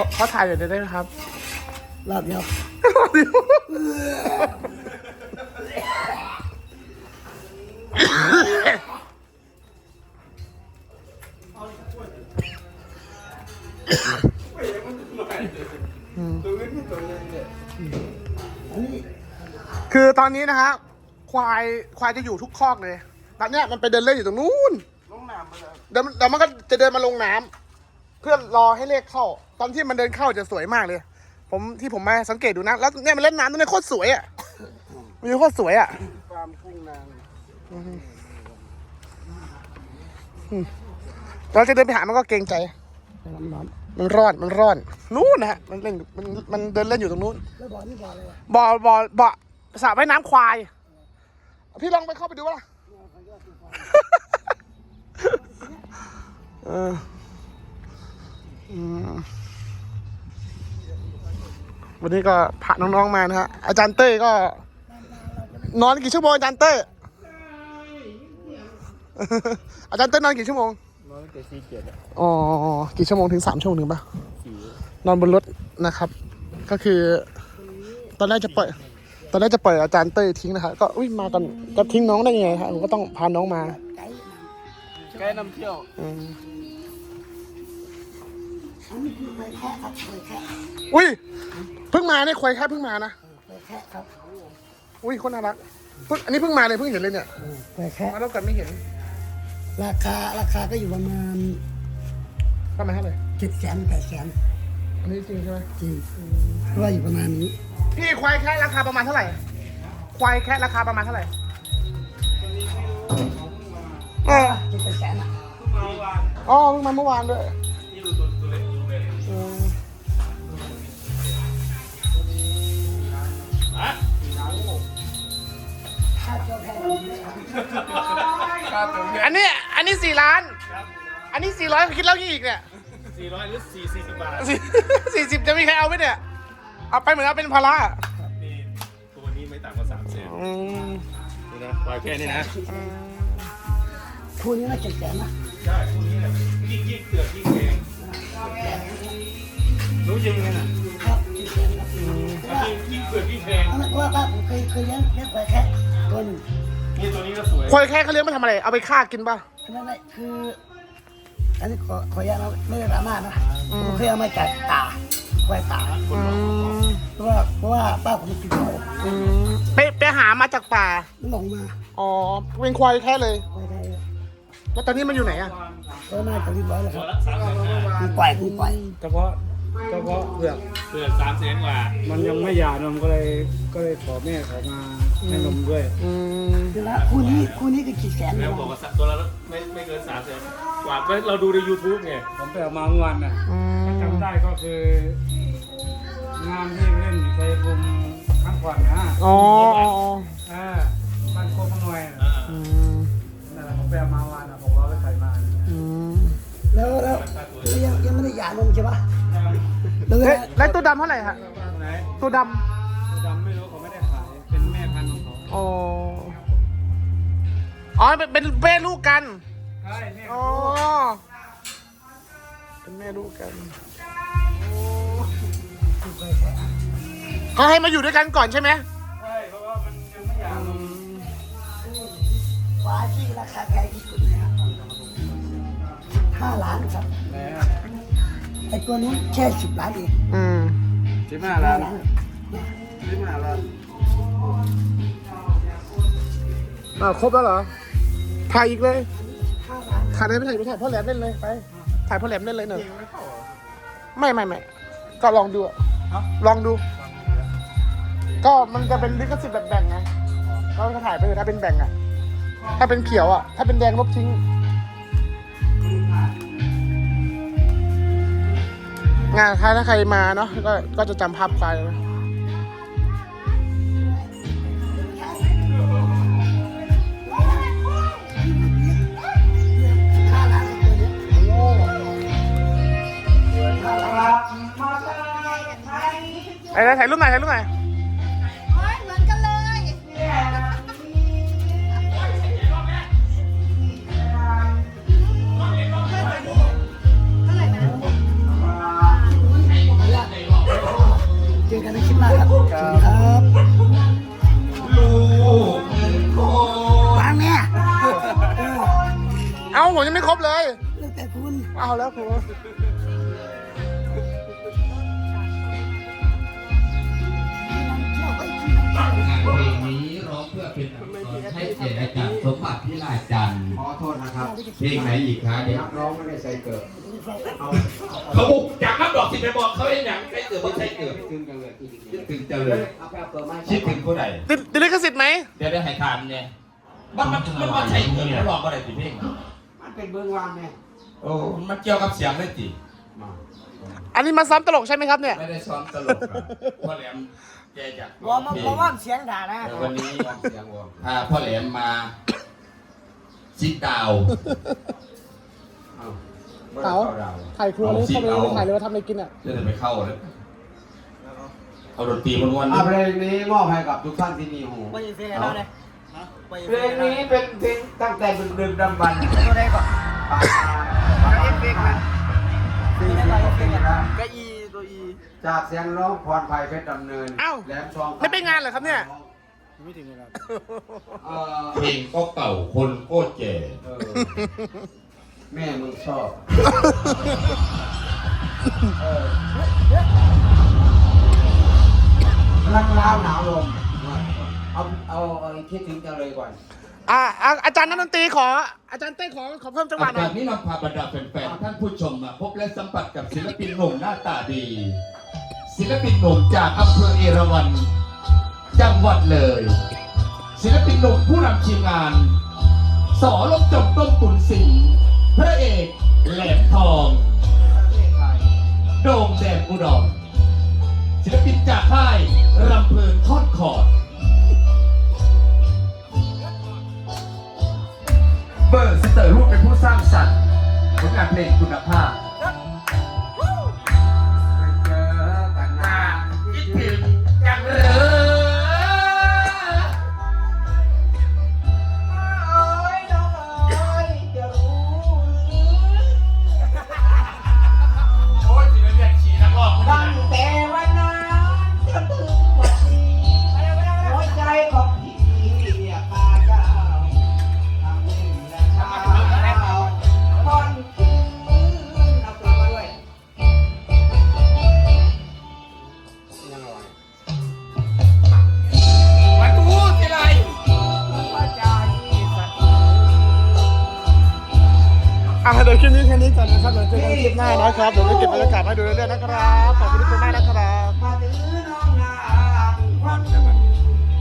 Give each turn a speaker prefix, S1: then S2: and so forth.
S1: เขาถ่ายอยู่ได้ไหมครับ
S2: รอบเดียว
S1: คือตอนนี้นะฮะควายจะอยู่ทุกคอกเลยตอนเนี้ยมันไปเดินเล่นอยู่ตรงนู้นลงน้ำไปแล้วเดี๋ยวมันก็จะเดินมาลงน้ำเพื่อรอให้เลขเข้าตอนที่มันเดินเข้าจะสวยมากเลยผมมาสังเกตดูนะแล้วเนี่ยมันเล่นน้ำตรงนี้โคตรสวยอ่ะมันโคตรสวยอ่ะฟาร์มกุ้งนางเราจะเดินไปหามันก็เกรงใจมันร้อนนู้นนะฮะมันเดินเล่นอยู่ตรงนู้น
S2: แล้วบ่อนี่บ่ออะไรวะ
S1: บ่อสระว่ายน้ำควายพี่ลองไปเข้าไปดูว่าวันนี้ก็พาน้องๆมานะฮะอาจารย์เต้ยก็นอนกี่ชั่วโมงอาจารย์เต้ยอาจารย์เต้ยนอนกี่ชั่วโมง
S3: นอนตั้งแต่4-7
S1: อ๋อกี่ชั่วโมงถึง3 ชั่วโมงป่ะนอนบนรถนะครับก็คือตอนแรกจะปล่อยอาจารย์เต้ยทิ้งนะครับก็มากันจะทิ้งน้องได้ยังไงครับผมก็ต้องพาน้องมา
S3: ไกด์นำเที่ยว
S2: อันนี้คือเคยแค่ครับเคยแค่
S1: เพิ่งมาเนี่ยควายแค่เพิ่งมานะ
S2: เคยแค่ครับ
S1: คนน่ารักอันนี้เพิ่งมาเลยเพิ่งเห็นเลยเนี่ย
S2: เคยแค่
S1: มาแล้วกันไม่เห็น
S2: ราคาก็อยู่ประมาณ
S1: เท่าไหร่
S2: 700,000-800,000
S1: อันนี้จริงใช่ไหม
S2: จริงเพราะว่าอยู่ประมาณนี้
S1: พี่ควายแค่ราคาประมาณเท่าไหร่ควายแค่ราคาประมาณเท่าไหร่
S2: 700,000อ่ะ
S1: อ๋อเพิ่งมาเมื่อวานด้วยอันนี้4 ล้านอันนี้400คิดแล้วกี่อีกเนี่ย
S3: 400หรือ40 บาท
S1: 40จะมีใครเอาไหมเนี่ยเอาไปเหมือนเอาเป็นภาระ
S3: นี่ตัวนี้ไม่ต่ำกว่า300,000นี่นะปล่อยแค่นี้นะ
S2: คู่นี้น่า700,000นะ
S3: ใช่คู่นี้แหละยิ่งเปลือกยิ่งแพงรู้จริงไหมน่ะ
S2: ครับ
S3: ยิ่งเปลือกยิ่งแพง
S2: เพราะว่าผมเคยเลี้ยงควายแค่ตัวหนึ่ง
S3: นี่ตัวนี้ก็สวย
S1: ควายแค่เขาเลี้ยงมาทำอะไรเอาไปฆ่ากินป่ะ
S2: ไม่คืออันนี้ขออนุญาตนะไม่ได้ดราม่านะผมเคยเอามาจากตาควายตาเพราะว่าป้าผมกินเขา
S1: ไปหามาจากป่า
S2: หลงมา
S1: อ๋อเป็นควายแค่เลย
S2: ควายไทย
S1: แล้วตอนนี้มันอยู่ไหนอ่ะ
S2: ก็น่าจะเรียบร้อยแล้วครับคุณปล่อย
S3: เฉพาะเปลือก300,000 กว่ามันยังไม่หย่านมก็เลยขอแม่เขามาให้นมด้วย
S2: คือละคู่นี้ก็700,000
S3: แล้วบอกว่าตัวละไม่เกิน300,000 กว่าเราดูใน YouTube ไงผมไปเอามาเมื่อวานน่ะจำได้ก็คืองานที่เล่นในภูมิครั้งก่อนนะบ้านโคกหน่วยนั่นแหละผมไปเอามาวันนะผมรอไปใส่มา
S2: แล้วยังไม่ได้หย่านมใช่ปะ
S1: แล้วตัวดำเท่าไหร่ฮะตัวด
S3: ำไม่รู้เขาไม่ได้ขายเป็นแม่พันธุ์ของเขา
S1: อ๋อเป็นแม่ลูกกัน
S3: ใช่
S1: อ๋อเป็นแม่ลูกกันเขาให้มาอยู่ด้วยกันก่อนใช่ไหม
S3: ใช่เพราะว่ามันยังไม่หย่านม
S2: ฟ้าที่ราคาแพงที่สุดนะครับ5 ล้านครับไอ้ตัวนี้แค่10 ล้านเอง
S3: 15 ล้าน15 ล้าน
S1: ครบแล้วเหรอถ่ายอีกเลยถ่ายได้ไม่ถ่ายพ่อแหลมเล่นเลยไปถ่ายพ่อแหลมเล่นเลยหนึ่งไม่ก็ลองดูลองดูก็มันจะเป็นลิขสิทธิ์แบบแบ่งไงก็ถ่ายไปเลยถ้าเป็นแบ่งอ่ะถ้าเป็นเขียวอ่ะถ้าเป็นแดงลบทิ้งงานถ้าใครมาเนาะก็จะจำภาพไปนะถ่ายรูปหน่อย
S4: เหมือนกันเลย
S1: ผมยังไม่ครบเลย
S2: แล้วแต่คุณ
S1: เอาแล้วครู
S5: เพลงนี้ร้องเพื่อเป็นอักษรให้เกียรติอาจารย์สมบัติพิลาจันทร์
S6: ขอโทษนะครับ
S5: เพลงไหนอีกคะเนี่ย
S6: นักร้องไม่ได้ใส่เกิด
S5: เขาบุกจากนับดอกสิไปบอกเขาเองอย่างใช้เกิดไม่ใช่เกิด
S6: ถึงจังเลยอีก
S5: คิดถึงเจริญ
S6: เอาไปเอาเกิดมา
S5: คิดถึงผู้ใด
S1: ติดลิขสิทธิ์ไหม
S5: เดี๋ยวได้ให้ทานเนี่ยมันมาใช้เกิดแล้วลองอะไรสิเพลง
S6: มันเป็นเบื้องว่างไง
S5: โอ้มันเกี่ยวกับเสียงเลยจิ
S6: มา
S1: อันนี้มาซ้อมตลกใช่ไหมครับเนี่ย
S5: ไม่ได้ซ้อมตลกอะพ่อแหลมแกอยาก
S2: วอร์มว่าเสียงด่านะ
S5: แต่วันนี้
S6: วอร์มเสียงวอร์ม
S5: พาพ่อแหลมมาซิดดาว
S6: เอา
S1: เต๋าถ่ายครัวเลยเข้าไปเลยถ่ายเลยว่าทำอะไรกินอ่ะ
S5: จะไปเข้าเลยเอาดนตรีมันวัน
S6: เพลงนี้มอบให้กับทุกท่านที่มีหู
S2: ไปยินเสียงเราเลย
S6: เพลงนี้เป็นเพลงตั้งแต่ดึกๆดำบรรพ์
S2: ตัวใดก่อน
S6: ปากมาเอฟเฟกต์นะ40 กว่าปีแล้ว
S2: ก็อีตัวอี
S6: จากเสียงร้องพรภัยเพชรดำเนิน
S1: อ้าว
S6: แหลมทอง
S1: ไม่ไปงานเหรอครับเนี่ย
S2: ไม่ถึงเลยครับ
S5: เพลงก็เก่าคนก็แก่
S6: เออแม่มึงชอบ รักร้าวหนาวลมเอาคิดถึงจังเลยก่อน
S1: อาจารย์นักดนตรีขอ อาจารย์เต้ขอเพิ่มจังหวะหน่
S5: จา
S1: อย
S5: กนี้เราพาบรรดาแฟนๆท่านผู้ชมมาพบและสัมผัสกับศิลปินหนุ่มหน้าตาดี ศิลปินหนุ่มจากอำเภอเอราวัณจังหวัดเลย ศิลปินหนุ่มผู้นำทีมงาน สอลบจบต้นตุนสิงห์พระเอกแหลมทอง โด่งแดงอุดรศิลปินจากค่ายรำเพลินทอดคอร์ดเบอร์สเตอร์รูปเป็นผู้สร้างสรรค์ผลงานเพลงคุณภาพ
S6: ไปเจอกันนะ
S5: คิดถึงจังเลย
S6: โอ้ยน้องเอ้ยจะรู้
S5: โอ้ยสิเรียกขี่นักร้องคน
S6: ตั้ง
S5: นี้
S6: แต่วันนั้นจนถึงวันนี้หัวใจของพี่เรียกมาเจ้าทำให้และเช้าก่อนคืนเอาตัวมาด้วยยังไง
S5: มาดูสิไร
S6: หัวใจสัตว์
S1: เดี๋ยวคลิปนี้แค่นี้ก่อนนะครับเดี๋ยวเจอกันคลิปหน้านะครับ เดี๋ยวจะเก็บบรรยากาศให้ดูเรื่อยๆนะครับ